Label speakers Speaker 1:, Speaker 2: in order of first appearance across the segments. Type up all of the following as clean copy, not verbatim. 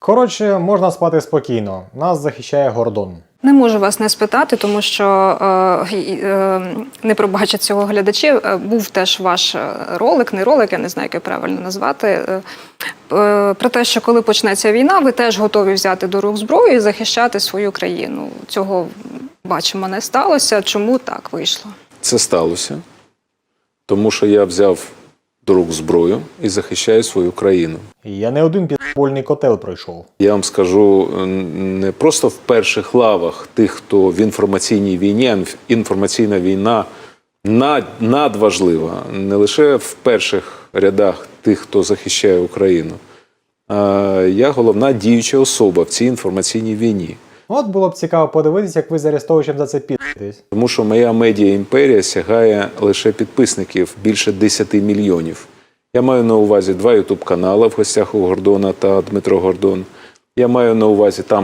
Speaker 1: Коротше, можна спати спокійно. Нас захищає Гордон.
Speaker 2: Не можу вас не спитати, тому що не пробачать цього глядачі. Був теж ваш ролик, не ролик, я не знаю, як його правильно назвати, про те, що коли почнеться війна, ви теж готові взяти до рук зброю і захищати свою країну. Цього, бачимо, не сталося. Чому так вийшло?
Speaker 3: Це сталося, тому що я взяв до рук зброю і захищаю свою країну.
Speaker 1: Я не один підпольний котел пройшов.
Speaker 3: Я вам скажу, не просто в перших лавах тих, хто в інформаційній війні, а інформаційна війна надважлива. Не лише в перших рядах тих, хто захищає Україну. Я головна діюча особа в цій інформаційній війні.
Speaker 1: От було б цікаво подивитися, як ви з Арестовичем за це підписуєтесь.
Speaker 3: Тому що моя медіа-імперія сягає лише підписників більше 10 мільйонів. Я маю на увазі 2 ютуб-канали в гостях у Гордона та Дмитро Гордон. Я маю на увазі там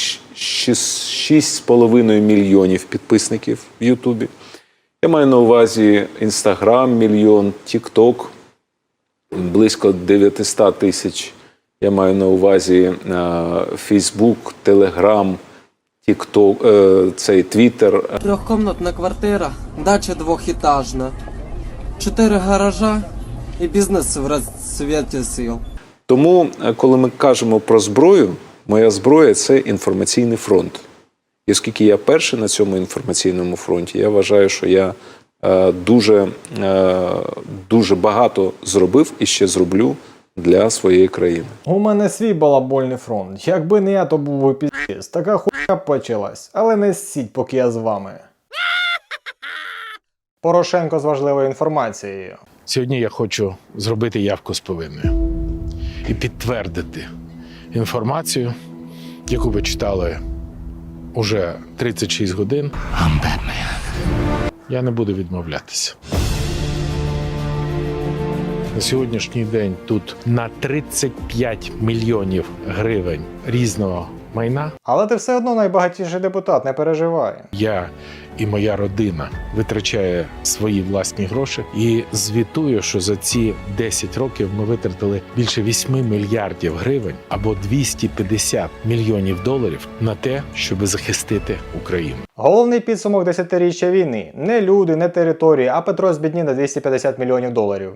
Speaker 3: 6,5 мільйонів підписників в Ютубі. Я маю на увазі Інстаграм, мільйон, Тік-Ток, близько 900 тисяч. Я маю на увазі Фейсбук, Телеграм, Тік-Ток, цей Твіттер.
Speaker 4: Трьохкомнатна квартира, дача двохетажна, 4 гаража і бізнес в розцвіті сил.
Speaker 3: Тому, коли ми кажемо про зброю, моя зброя – це інформаційний фронт. І оскільки я перший на цьому інформаційному фронті, я вважаю, що я дуже багато зробив і ще зроблю для своєї країни.
Speaker 1: У мене свій балабольний фронт. Якби не я, то був би піздець. Така хуйня почалась. Але не ссіть, поки я з вами. Порошенко з важливою інформацією.
Speaker 5: Сьогодні я хочу зробити явку з повинною і підтвердити інформацію, яку ви читали уже 36 годин. Я не буду відмовлятися. На сьогоднішній день тут на 35 мільйонів гривень різного майна.
Speaker 1: Але ти все одно найбагатіший депутат, не переживай.
Speaker 5: Я і моя родина витрачає свої власні гроші і звітую, що за ці 10 років ми витратили більше 8 мільярдів гривень або 250 мільйонів доларів на те, щоб захистити Україну.
Speaker 1: Головний підсумок 10-річчя війни. Не люди, не території, а Петро збіднів на 250 мільйонів доларів.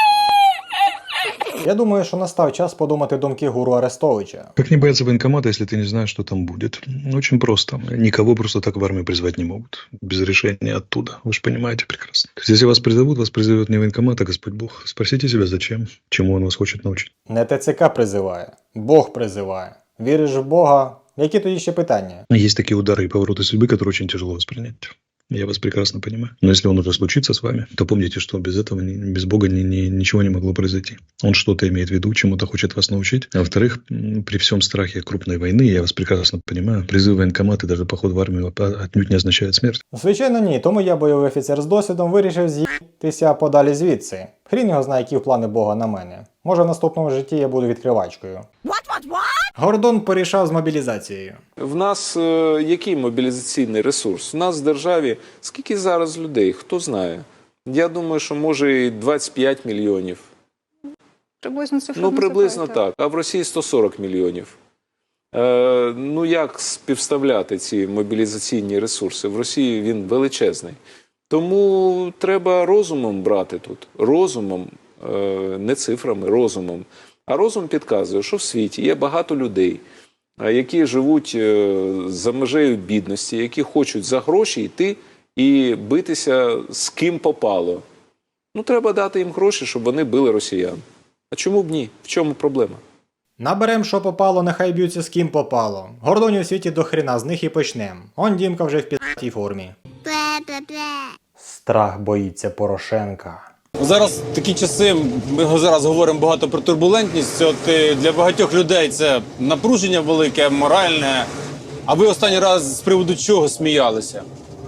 Speaker 1: Я думаю, що настав час подумати думки гуру Арестовича.
Speaker 6: Как не бояться военкомата, если ты не знаешь, что там будет? Очень просто. Никого просто так в армию призвать не могут. Без решения оттуда. Вы же понимаете прекрасно. То есть, если вас призовет не военкомат, а Господь Бог. Спросите себя, зачем? Чему он вас хочет научить?
Speaker 1: Не ТЦК призиває, Бог призиває. Віриш в Бога? Які тоді ще питання?
Speaker 6: Есть такие удары и повороты судьбы, которые очень тяжело воспринять. Я вас прекрасно понимаю. Но если он уже случится с вами, то помните, что без этого, без Бога ничего не могло произойти. Он что-то имеет в виду, чему-то хочет вас научить. А во-вторых, при всем страхе крупной войны, я вас прекрасно понимаю, призыв в военкомат и даже поход в армию отнюдь не означает смерть.
Speaker 1: Звичайно, ні. Тому я, бойовий офіцер з досвідом, вирішив з'їтися подалі звідси. Хрін його знає, які плани Бога на мене. Може, в наступному житті я буду відкривачкою. Гордон порішав з мобілізацією.
Speaker 3: В нас який мобілізаційний ресурс? У нас в державі скільки зараз людей? Хто знає? Я думаю, що може і 25 мільйонів.
Speaker 2: Приблизно цифра.
Speaker 3: Ну, приблизно так. А в Росії 140 мільйонів. Ну, як співставляти ці мобілізаційні ресурси? В Росії він величезний. Тому треба розумом брати тут. Розумом, не цифрами, розумом. А розум підказує, що в світі є багато людей, які живуть за межею бідності, які хочуть за гроші йти і битися з ким попало. Ну, треба дати їм гроші, щоб вони били росіян. А чому б ні? В чому проблема?
Speaker 1: Наберем, що попало, нехай б'ються з ким попало. Гордонів у світі до хрена, з них і почнем. Он Дімка вже в пі***й формі. Страх боїться Порошенка.
Speaker 7: Зараз такі часи, ми зараз говоримо багато про турбулентність. От для багатьох людей це напруження велике, моральне. А ви останній раз з приводу чого сміялися?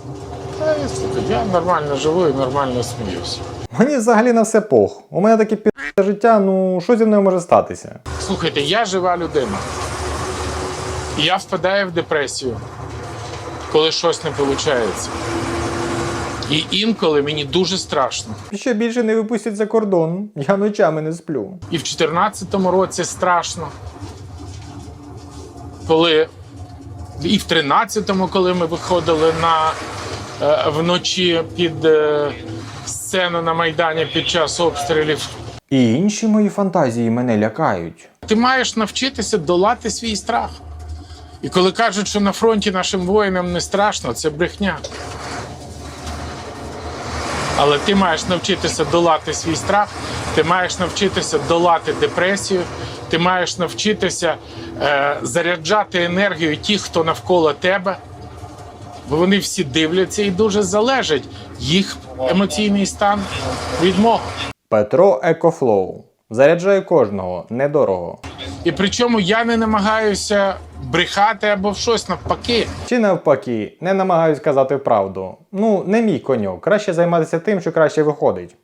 Speaker 5: Я нормально живу і нормально сміюся.
Speaker 1: Мені взагалі на все пох. У мене таке пі***е життя, ну що зі мною може статися?
Speaker 5: Слухайте, я жива людина. Я впадаю в депресію, коли щось не виходить. І інколи мені дуже страшно.
Speaker 1: Ще більше не випустять за кордон. Я ночами не сплю.
Speaker 5: І в 2014 році страшно. коли і в 13-му, коли ми виходили вночі під сцену на Майдані під час обстрілів.
Speaker 1: І інші мої фантазії мене лякають.
Speaker 5: Ти маєш навчитися долати свій страх. І коли кажуть, що на фронті нашим воїнам не страшно, це брехня. Але ти маєш навчитися долати свій страх, ти маєш навчитися долати депресію, ти маєш навчитися заряджати енергію тих, хто навколо тебе. Бо вони всі дивляться і дуже залежить їх емоційний стан від мого.
Speaker 1: Петро Екофлоу. Заряджає кожного, недорого.
Speaker 5: І причому я не намагаюся брехати або щось навпаки.
Speaker 1: Чи навпаки, не намагаюсь казати правду. Ну, не мій коньок. Краще займатися тим, що краще виходить.